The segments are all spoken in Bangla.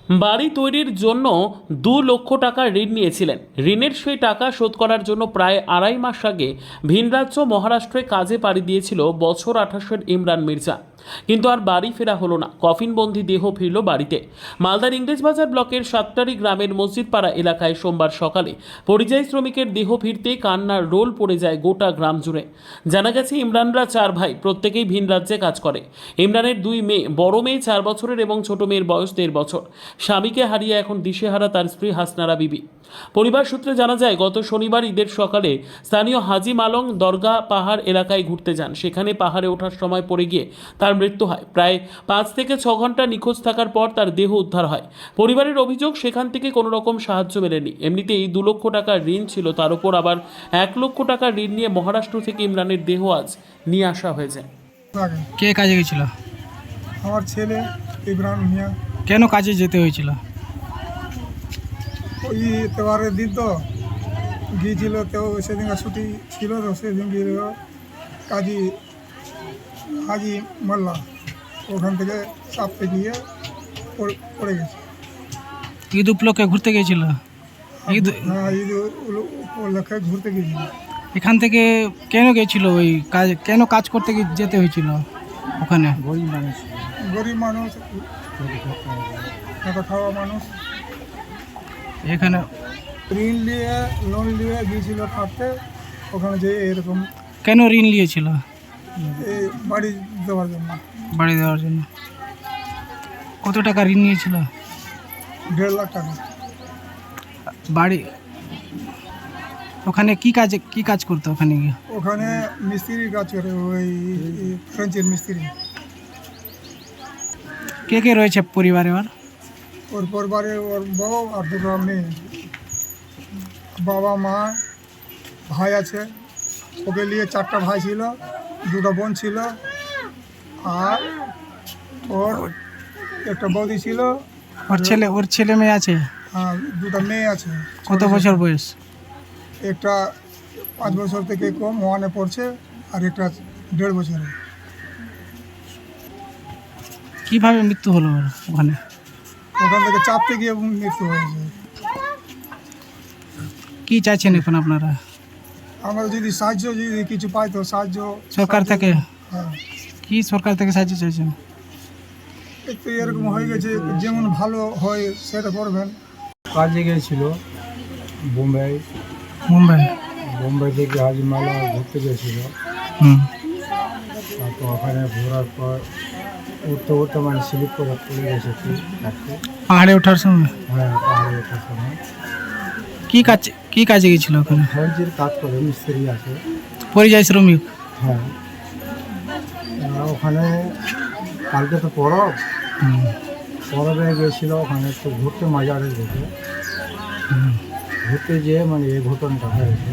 বাড়ি তৈরির জন্য 2 লক্ষ টাকা ঋণ নিয়েছিলেন। ঋণের সেই টাকা শোধ করার জন্য প্রায় 2.5 মাস আগে ভিন রাজ্য মহারাষ্ট্রে কাজে পাড়ি দিয়েছিল বছর 28-এর ইমরান মির্জা। কিন্তু আর বাড়ি ফেরা হলো না। কফিনবন্দি দেহ ফিরল বাড়িতে। মালদার ইংরেজবাজার ব্লকের সাতটারি গ্রামের মসজিদপাড়া এলাকায় সোমবার সকালে পরিযায়ী শ্রমিকের দেহ ফিরতে কান্নার রোল পড়ে যায় গোটা গ্রাম জুড়ে। জানা গেছে ইমরানরা 4 ভাই, প্রত্যেকেই ভিন রাজ্যে কাজ করে। ইমরানের 2 মেয়ে, বড় মেয়ে 4 বছরের এবং ছোট মেয়ের বয়স 1.5 বছর। স্বামীকে হারিয়ে এখন দিশেহারা তার স্ত্রী হাসনারা বিবি। পরিবার সূত্রে জানা যায়, গত শনিবার ঈদের সকালে স্থানীয় হাজি মালং দরগা পাহাড় এলাকায় ঘুরতে যান। সেখানে পাহাড়ে ওঠার সময় পড়ে গিয়ে তার মৃত্যু হয়। প্রায় 5 থেকে 6 ঘন্টা নিখোঁজ থাকার পর তার দেহ উদ্ধার হয়। পরিবারের অভিযোগ, সেখান থেকে কোনো রকম সাহায্য মেলেনি। এমনিতেই 2 লক্ষ টাকার ঋণ ছিল, তার উপর আবার 1 লক্ষ টাকার ঋণ নিয়ে মহারাষ্ট্র থেকে ইমরানের দেহ আজ নিয়ে আসা হয়েছে। কে কাজে গেছিল? আমার ছেলে ইব্রাহিম মিয়া। কেন কাজে যেতে হয়েছিল? ওই এতবারের দিন তো গিয়েছিল, তো সেদিনকার ছুটি ছিল, তো সেদিন গিয়ে কাজী হাজি মোল্লা ওখান থেকে চাপতে গিয়ে পড়ে গেছে। ঈদ উপলক্ষে ঘুরতে গিয়েছিল? ঈদ হ্যাঁ, ঈদ উপলক্ষে ঘুরতে গিয়েছিল। এখান থেকে কেন গেছিল? ওই কাজ কেন কাজ করতে যেতে হয়েছিল ওখানে? গরিব মানুষ, এত খাওয়া মানুষ, এখানে ঋণ নিয়ে লোন নিয়ে গিয়েছিল থাকতে। ওখানে যে এরকম কেন ঋণ নিয়েছিল? এই বাড়ি দেওয়ার জন্য। বাড়ি দেওয়ার জন্য। কত টাকা ঋণ নিয়েছিল? 1.5 লাখ টাকা। বাড়ি ওখানে কি কাজ করতো ওখানে গিয়ে? ওখানে মিস্ত্রির কাজ করে, ওই ফ্রেঞ্চের মিস্ত্রি। কে কে রয়েছে পরিবারে? ওর পরিবারে ওর বউ আর 2টো মেয়ে, বাবা মা, ভাই আছে। ওকে নিয়ে 4টা ভাই ছিল, 2টো বোন ছিল, আর ওর একটা বৌদি ছিল। ওর ছেলে মেয়ে আছে? আর 2টা মেয়ে আছে। কত বছর বয়স? একটা 5 বছর থেকে কম, 1-এ পড়ছে, আর একটা 1.5 বছরের। কিভাবে মৃত্যু হলো ওর ওখানে? ওখান থেকে চাপতে গিয়ে মৃত্যু হয়েছে। কি চাইছেন এখন আপনারা? আমরা যদি সাহায্য, যদি কিছু পাই তো সাহায্য সরকার থেকে? হ্যাঁ, কি সরকার থেকে সাহায্য চাইছেন? একটু এরকম হয়ে গেছে, যেমন ভালো হয় সেটা করবেন। কাজে গিয়েছিল মুম্বাই থেকে হাজিমালা ঘুরতে গিয়েছিল। তারপর ওখানে ঘোরার পর উঠতে মানে স্লিপ করে পড়ে গেছে পাহাড়ে ওঠার সময়? হ্যাঁ, পাহাড়ে ওঠার সময়। কি কাজে গেছিল ওখানে? ফ্রেঞ্চের কাজ করে, মিস্ত্রি আছে। পরিযায়ী শ্রমিক? হ্যাঁ, ওখানে কালকে তো পরবে গিয়েছিল। ওখানে একটু ঘুরতে মাজারে ঘুরতে যেয়ে মানে এই ঘটনাটা হয়েছে।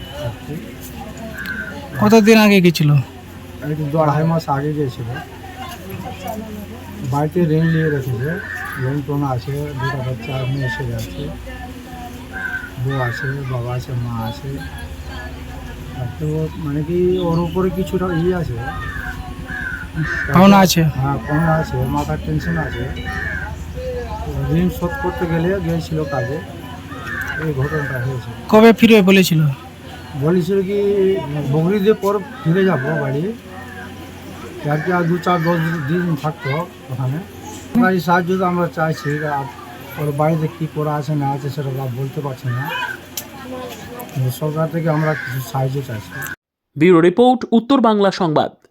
কতদিন আগে গেছিল? এই তো 2-2.5 মাস আগে গিয়েছিল। বাড়িতে ঋণ নিয়ে রেখেছে, ঋণ টোন আছে, 2টা বাচ্চা, মেয়ে ছেলে আছে, বউ আছে, বাবা আছে, মা আছে। তো মানে কি ওর উপরে কিছুটা আছে, পাওনা আছে। হ্যাঁ, পাওনা আছে, মাথার টেনশন আছে। ঋণ শোধ করতে গেলে গিয়েছিল কাজে, এই ঘটনাটা হয়েছে। কবে ফিরে বলেছিল? বলেছিল কি বকরিদের পর ফিরে যাবো বাড়ি, আর কি আর 2-4-10 দিন থাকতো ওখানে। বাড়ির সাহায্য তো আমরা চাইছি, আর ওর বাড়িতে কী করা আছে না আছে সেটা বলতে পারছি না। সরকার থেকে আমরা কিছু সাহায্য চাইছি। ব্যুরো রিপোর্ট, উত্তর বাংলা সংবাদ।